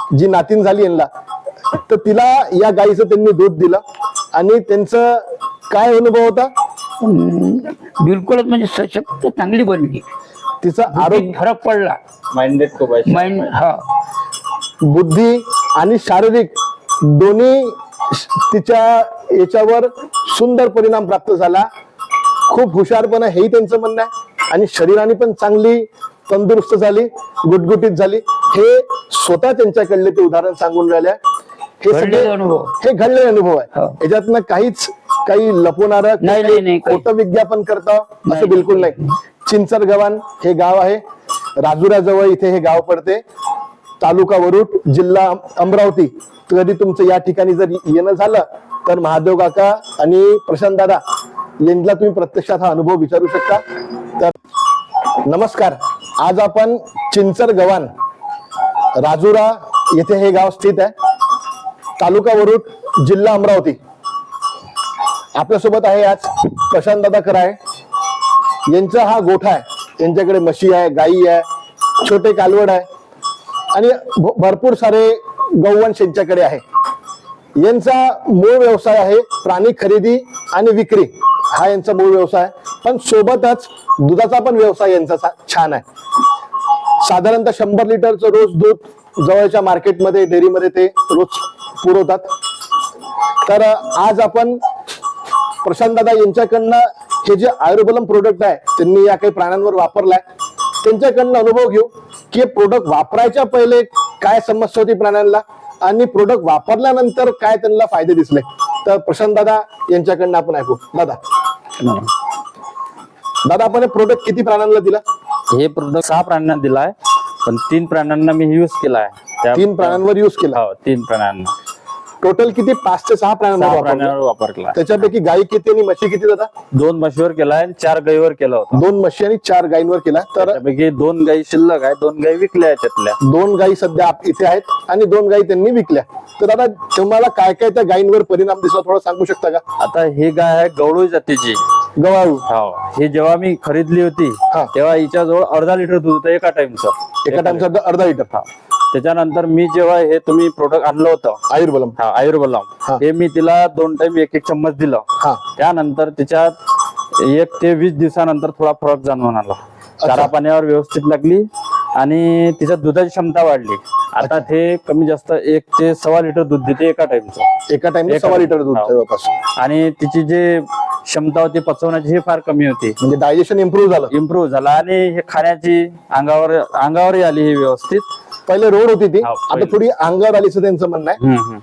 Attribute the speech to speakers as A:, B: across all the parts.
A: जी नातीन झाली यांना, तर तिला या गाईचं त्यांनी दूध दिलं आणि त्यांचं काय अनुभव होता?
B: बिलकुलच म्हणजे सशक्त चांगली बनली.
A: तिचा आरोग्य,
B: फरक पडला.
C: माइंडेड खूप आहे.
B: माइंड हा
A: बुद्धी आणि शारीरिक दोन्ही तिच्या याच्यावर सुंदर परिणाम प्राप्त झाला. खूप हुशारपणा हेही त्यांचं म्हणणं आहे आणि शरीराने पण चांगली तंदुरुस्त झाली, गुटगुटीत झाली. हे स्वतः त्यांच्याकडले ते उदाहरण सांगून राहिले. हे सगळे
B: घडलेले अनुभव.
A: हे घडलेले अनुभव आहे.
B: हो.
A: याच्यातनं काहीच काही लपवणारं
B: नाही, नाही, नाही, काही.
A: खोटं विज्ञापन करता असं
B: नाही.
A: बिलकुल नाही. चिंचर गव्हाण हे गाव आहे, राजुराजवळ इथे हे गाव पडते, तालुका वरुड, जिल्हा अमरावती. कधी तुमचं या ठिकाणी जर येणं झालं तर महादेव काका आणि प्रशांत दादा यांना तुम्ही प्रत्यक्षात हा अनुभव विचारू शकता. तर नमस्कार, आज आपण चिंचर गव्हाण राजुरा येथे हे गाव स्थित आहे, तालुका वरुड, जिल्हा अमरावती. आपल्यासोबत आहे आज प्रशांत दादा कराळे. यांचा हा गोठा आहे, यांच्याकडे म्हशी आहे, गाई आहे, छोटे कालवड आहे आणि भरपूर सारे गौवंश यांच्याकडे आहे. यांचा मूळ व्यवसाय आहे प्राणी खरेदी आणि विक्री, हा यांचा मूळ व्यवसाय आहे. पण सोबतच दुधाचा पण व्यवसाय यांचा छान आहे. साधारणतः 100 लिटरचं रोज दूध जवळच्या मार्केटमध्ये, डेअरीमध्ये ते रोज पुरवतात. तर आज आपण प्रशांत दादा यांच्याकडनं हे जे आयुर्बलम प्रोडक्ट आहे त्यांनी या काही प्राण्यांवर वापरलाय, त्यांच्याकडनं अनुभव घेऊ की प्रोडक्ट वापरायच्या पहिले काय समस्या होती प्राण्यांना आणि प्रोडक्ट वापरल्यानंतर काय त्यांना फायदे दिसले. तर प्रशांत दादा यांच्याकडनं आपण ऐकू. दादा आपण हे प्रोडक्ट किती प्राण्यांना दिला?
C: हे प्रोडक्ट 6 प्राण्यांना दिलाय, पण 3 प्राण्यांना मी युज केलाय.
A: 3 प्राण्यांवर युज केला.
C: हो, 3 प्राण्यांना.
A: टोटल किती? 5 ते 6 प्राण्यांवर
C: प्राण्यांवर वापरला.
A: त्याच्यापैकी गाई किती आणि म्हशी किती दादा?
C: 2 म्हशीवर केलाय, 4 गाईवर केला होता.
A: 2 म्हशी आणि 4 गायींवर केला. तर
C: त्यापैकी 2 गाई शिल्लक आहे, 2 गाई विकल्या आहेत त्यातल्या.
A: 2 गायी सध्या इथे आहेत आणि 2 गायी त्यांनी विकल्या. तर दादा तुम्हाला काय काय त्या गायींवर परिणाम दिसला थोडं सांगू शकता का?
C: आता ही गाय आहे गवळू जातीची.
A: गवाळू.
C: हो, ही जेव्हा मी खरीदली होती
A: हा.
C: तेव्हा हिच्याजवळ अर्धा लिटर दूध होतं एका टाइमचं.
A: एका टाइमचा अर्धा लिटर.
C: त्याच्यानंतर मी जेव्हा हे तुम्ही प्रोडक्ट आणलं होतं
A: आयुर्बलम.
C: हा आयुर्बलम, हे मी तिला 2 टाइम 1-1 चम्मच दिलं.
A: हा.
C: त्यानंतर तिच्यात 1 ते 20 दिवसानंतर थोडा फरक जाणवून आला. चारा पाण्यावर व्यवस्थित लागली आणि तिच्या दुधाची क्षमता वाढली. आता ते कमी जास्त 1 ते 1.25 लिटर दूध देते एका टाइमचं.
A: एका टाइमला 1.25 लिटर दूध
C: हो.
A: जवळपास.
C: आणि तिची जे क्षमता होती पचवण्याची ही फार कमी होती.
A: म्हणजे डायजेशन इम्प्रूव्ह झालं.
C: इम्प्रूव्ह झाला आणि हे खाण्याची अंगावरही आली ही व्यवस्थित.
A: पहिले रोड होती ती,
C: हो,
A: आता
C: पहिले.
A: थोडी अंगावर आली असं त्यांचं म्हणणं आहे.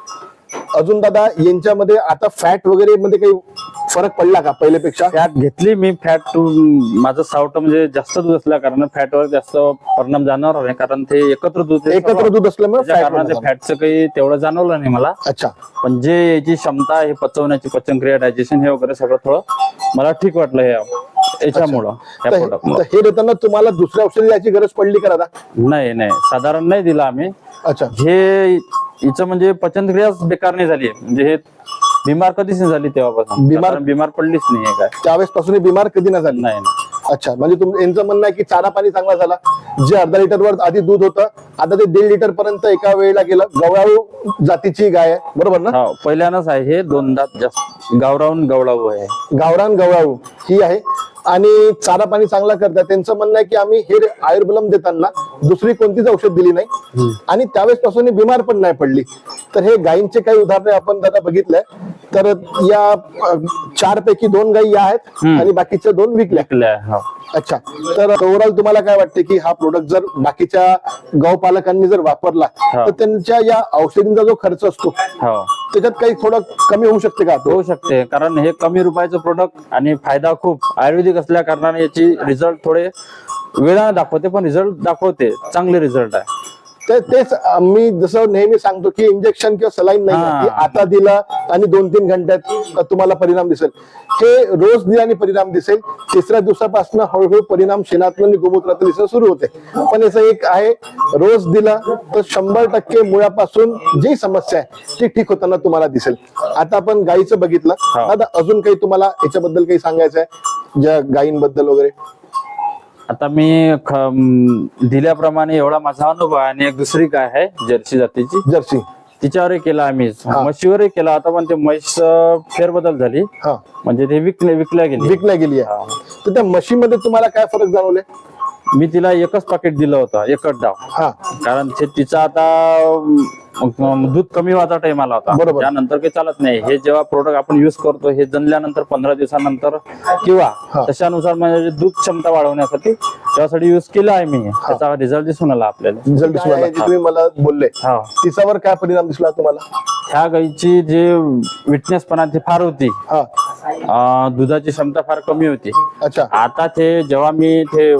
A: अजून दादा यांच्यामध्ये आता फॅट वगैरे मध्ये काही फरक पडला का पहिल्यापेक्षा?
C: फॅट घेतली मी. फॅट माझं सावट म्हणजे जास्त दूध असल्या कारण फॅटवर जास्त परिणाम जाणवणार नाही, कारण ते एकत्र दूध
A: असल्यामुळे
C: फॅटचं काही तेवढं जाणवलं नाही मला.
A: अच्छा.
C: पण जे याची क्षमता आहे पचवण्याची, पचनक्रिया, डायजेशन हे वगैरे सगळं थोडं मला ठीक वाटलं याच्यामुळं.
A: तर हे देताना तुम्हाला दुसऱ्या औषधी द्यायची गरज पडली का दादा?
C: नाही, साधारण नाही दिला आम्ही.
A: अच्छा.
C: हे हिचं म्हणजे पचनक्रियाच बेकार नाही झाली, म्हणजे हे बिमार कधीच नाही झाली तेव्हापासून. बिमार पडलीच नाही काय
A: त्यावेळेस पासून बिमार कधी नाही झाली?
C: नाही.
A: अच्छा, म्हणजे यांचं म्हणणं आहे की चारा पाणी चांगला झाला. जे अर्धा लिटरवर आधी दूध होतं आता ते 1.5 लिटर पर्यंत एका वेळेला गेलं. गवळाऊ जातीची गाय आहे, बरोबर ना?
C: हो, पहिल्यानंच आहे हे. 2 दात जास्त. गावरान गवळाऊ आहे.
A: गावरान गवळाऊ ही आहे आणि चारा पाणी चांगला करतात. त्यांचं म्हणणं आहे की आम्ही हे आयुर्बलम देताना दुसरी कोणतीच औषध दिली नाही आणि त्यावेळेस पासून बिमार पण नाही पडली. तर हे गायींचे काही उदाहरण आपण दादा बघितलंय. तर या 4 पैकी 2 गायी आहेत आणि बाकीच्या 2 विकल्या. अच्छा. तर ओव्हरऑल तुम्हाला काय वाटते की हा प्रोडक्ट जर बाकीच्या गौपालकांनी जर वापरला तर त्यांच्या या औषधींचा जो खर्च असतो त्याच्यात काही थोडं कमी होऊ शकते का?
C: होऊ शकते, कारण हे कमी रुपयाचं प्रोडक्ट आणि फायदा खूप आयुर्वेदिक असल्या कारणाने याची रिझल्ट थोडे वेळाने दाखवते, पण रिझल्ट दाखवते, चांगले रिझल्ट आहे.
A: तेच मी जसं नेहमी सांगतो की इंजेक्शन किंवा सलाईन नाही, आता दिला आणि 2-3 घंट्यात तुम्हाला परिणाम दिसेल. हे रोज दिल्याने परिणाम दिसेल. 3ऱ्या दिवसापासून हळूहळू परिणाम शेणातून आणि गोमूत्रातून दिसणं सुरू होते. पण याचं एक आहे, रोज दिला तर 100% मुळापासून जी समस्या आहे ती ठीक होताना तुम्हाला दिसेल. आता आपण गायीचं बघितलं. आता अजून काही तुम्हाला याच्याबद्दल काही सांगायचं आहे, ज्या गायींबद्दल वगैरे?
C: आता मी दिल्याप्रमाणे एवढा माझा अनुभव आहे. आणि एक दुसरी गाय आहे जर्सी जातीची,
A: जर्सी.
C: तिच्यावरही केला आम्ही, म्हशीवरही केला. आता पण ते म्हैस फेरबदल झाली,
A: हा,
C: म्हणजे ते विकल्या गेली.
A: विकल्या गेली आहे. तर त्या म्हशीमध्ये तुम्हाला काय फरक जाणवले?
C: मी तिला एकच पाकिट दिलं होतं, एकच डाव.
A: हा,
C: कारण तिचा आता दूध कमी व्हायचा टाइम आला होता.
A: बरोबर.
C: त्यानंतर काही चालत नाही. हे जेव्हा प्रोडक्ट आपण युज करतो, हे जनल्यानंतर 15 दिवसानंतर किंवा तशानुसार म्हणजे दूध क्षमता वाढवण्यासाठी त्यासाठी युज केला आहे मी. त्याचा रिझल्ट दिसून आला आपल्याला.
A: रिझल्ट दिसून आला. जे तुम्ही मला बोलले
C: हा,
A: तिच्यावर काय परिणाम दिसला तुम्हाला?
C: ह्या गाईची जे विटनेसपणा ती फार होती,
A: हा,
C: दुधाची क्षमता फार कमी होती.
A: अच्छा.
C: आता ते जेव्हा मी ते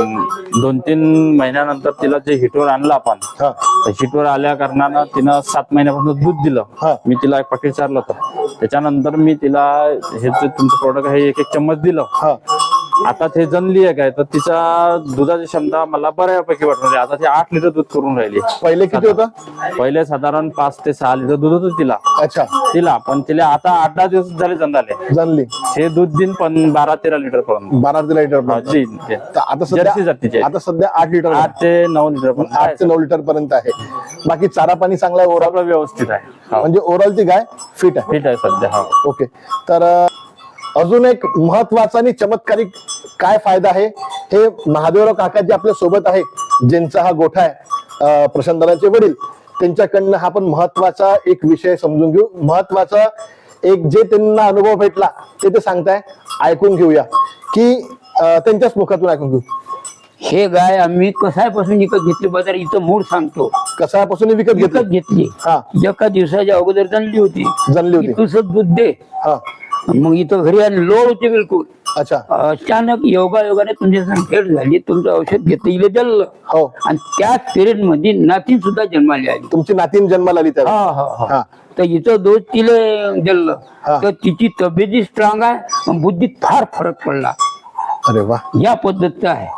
C: 2-3 महिन्यानंतर तिला जे हिटवर आणलं आपण,
A: हा,
C: हिटवर आल्या कारणानं तिनं 7 महिन्यापासून दूध दिलं.
A: हा.
C: मी तिला एक पाकिट चारलं होतं. त्याच्यानंतर मी तिला हे जे तुमचं प्रोडक्ट आहे 1-1 चम्मच दिलं.
A: हा,
C: आता ते जनली आहे काय, तर तिचा दुधाची क्षमता मला बऱ्यापैकी वाटली. आता ती 8 लिटर दूध करून राहिली.
A: पहिले किती होतं?
C: पहिले साधारण 5 ते 6 लिटर दूध होतं तिला.
A: अच्छा.
C: पण तिला आता 8-10 दिवस झाले जनले.
A: जाणली.
C: हे दूध दिन पण 12-13 लिटर पर्यंत.
A: 12 लिटर आता
C: जर्सी जातीचे.
A: आता सध्या 8 लिटर,
C: 8 ते 9 लिटर पर्यंत.
A: 8 ते 9 लिटर पर्यंत आहे. बाकी चारा पाणी चांगला आहे ओव्हरऑल?
C: सगळं व्यवस्थित आहे.
A: म्हणजे ओव्हरऑल ती गाय फिट आहे.
C: फिट आहे सध्या. हा.
A: ओके. तर अजून एक महत्वाचा आणि चमत्कारिक काय फायदा आहे हे महादेवराव काका जे आपल्या सोबत आहे, ज्यांचा हा गोठा आहे, प्रशांतदादांचे वडील, त्यांच्याकडनं हा पण महत्वाचा एक विषय समजून घेऊ. महत्वाचा एक जे त्यांना अनुभव भेटला ते सांगताय, ऐकून घेऊया की त्यांच्याच मुखातून ऐकून घेऊ.
B: हे गाय आम्ही कसायपासून विकत घेतली बाजार, इथं मूळ सांगतो.
A: कसापासून विकत
B: विकत घेतली.
A: हा,
B: एका दिवसाच्या अगोदर जनली होती.
A: जनली होती.
B: तुझं दूध दे.
A: हा,
B: मग इथं घरी आणि लोड होती बिलकुल.
A: अच्छा.
B: अचानक योगायोगाने तुमची संखेड झाली, तुमचं औषध घेतलं, इले जल्लं.
A: हो.
B: आणि त्याच पिरियड मध्ये नातीन सुद्धा जन्माली आली.
A: तुमची नातीन जन्माला आली त्यावेळी.
B: हा हा हा.
A: हा,
B: तर इथं दूध तिले जल्लं.
A: हा.
B: तर तिची तब्येती स्ट्रॉंग आहे, आणि बुद्धीत फार फरक पडला.
A: अरे वा.
B: या पद्धतीचं आहे.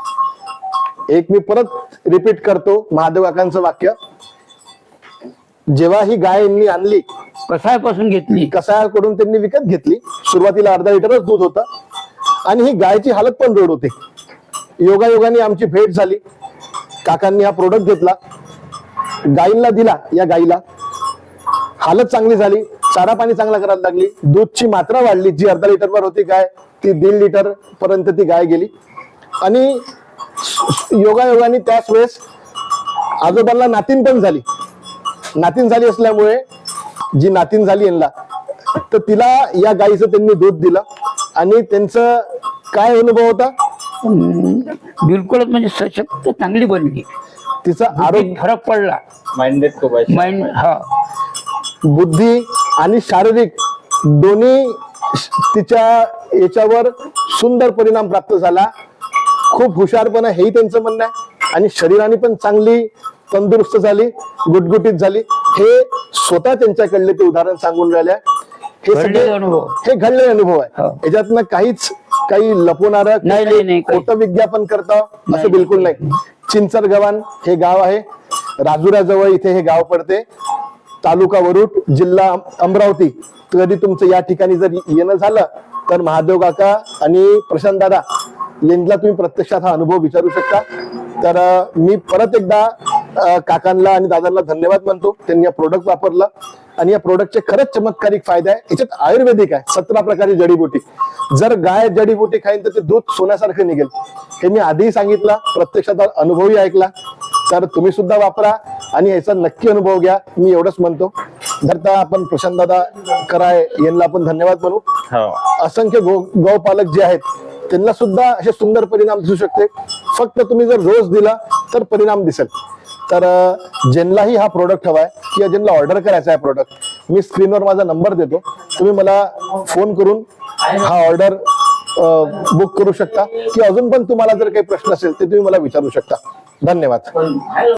A: एक मी परत रिपीट करतो महादेव काकांचं वाक्य. जेव्हा ही गाय यांनी आणली,
B: कसायपासून घेतली.
A: कसायाकडून त्यांनी विकत घेतली. सुरुवातीला अर्धा लिटरच दूध होतं आणि ही गायची हालत पण रोड होती. योगायोगाने आमची भेट झाली. काकांनी हा प्रोडक्ट घेतला, गायींना दिला. या गायीला हालत चांगली झाली, चारा पाणी चांगला करायला लागली, दूधची मात्रा वाढली. जी अर्धा लिटरवर होती गाय, ती 1.5 लिटर पर्यंत ती गाय गेली. आणि योगायोगाने त्याच वेळेस आजोबांना नातीन पण झाली. नातीन झाली असल्यामुळे जी नातीन झाली यांना, तर तिला या गायीचं त्यांनी दूध दिलं. आणि त्यांचं काय अनुभव होता?
B: बिलकुलच म्हणजे सशक्त चांगली बनली.
A: तिचा आरोग्य
B: फरक पडला.
C: माइंडेड खूप आहे.
B: माइंड, हा,
A: बुद्धी आणि शारीरिक दोन्ही तिच्या याच्यावर सुंदर परिणाम प्राप्त झाला. खूप हुशारपणा हेही त्यांचं म्हणणं आहे. आणि शरीराने पण चांगली तंदुरुस्त झाली, गुटगुटीत झाली. हे स्वतः त्यांच्याकडले ते उदाहरण सांगून राहिले. हे सगळे
B: अनुभव,
A: हे घडलेले अनुभव आहे.
B: हो.
A: याच्यातनं काहीच काही लपवणारं
B: नाही,
A: खोटं विज्ञापन करता असं बिलकुल नाही. चिंचर गव्हाण हे गाव आहे, राजुऱ्याजवळ इथे हे गाव पडते. तालुका वरुड, जिल्हा अमरावती. कधी तुमचं या ठिकाणी जर येणं झालं तर महादेव काका आणि प्रशांत दादा यांना तुम्ही प्रत्यक्षात हा अनुभव विचारू शकता. तर मी परत एकदा काकांना आणि दादांना धन्यवाद मानतो. त्यांनी या प्रोडक्ट वापरलं आणि या प्रोडक्टचे खरंच चमत्कारिक फायदे आहे. याच्यात आयुर्वेदिक आहे, 17 प्रकारची जडीबुटी. जर गाय जडीबुटी खाईन तर ते दूध सोन्यासारखं निघेल. हे मी आधीही सांगितलं, प्रत्यक्षात अनुभवही ऐकला. तर तुम्ही सुद्धा वापरा आणि याचा नक्की अनुभव घ्या. मी एवढंच म्हणतो. धरता आपण प्रशांत दादा कराय यांना आपण धन्यवाद म्हणू. असंख्य गौपालक जे आहेत त्यांना सुद्धा असे सुंदर परिणाम दिसू शकते. फक्त तुम्ही जर रोज दिला तर परिणाम दिसेल. तर ज्यांनाही हा प्रोडक्ट हवाय किंवा ज्यांना ऑर्डर करायचा आहे प्रोडक्ट, मी स्क्रीनवर माझा नंबर देतो. तुम्ही मला फोन करून हा ऑर्डर बुक करू शकता. किंवा अजून पण तुम्हाला जर काही प्रश्न असेल ते तुम्ही मला विचारू शकता. धन्यवाद.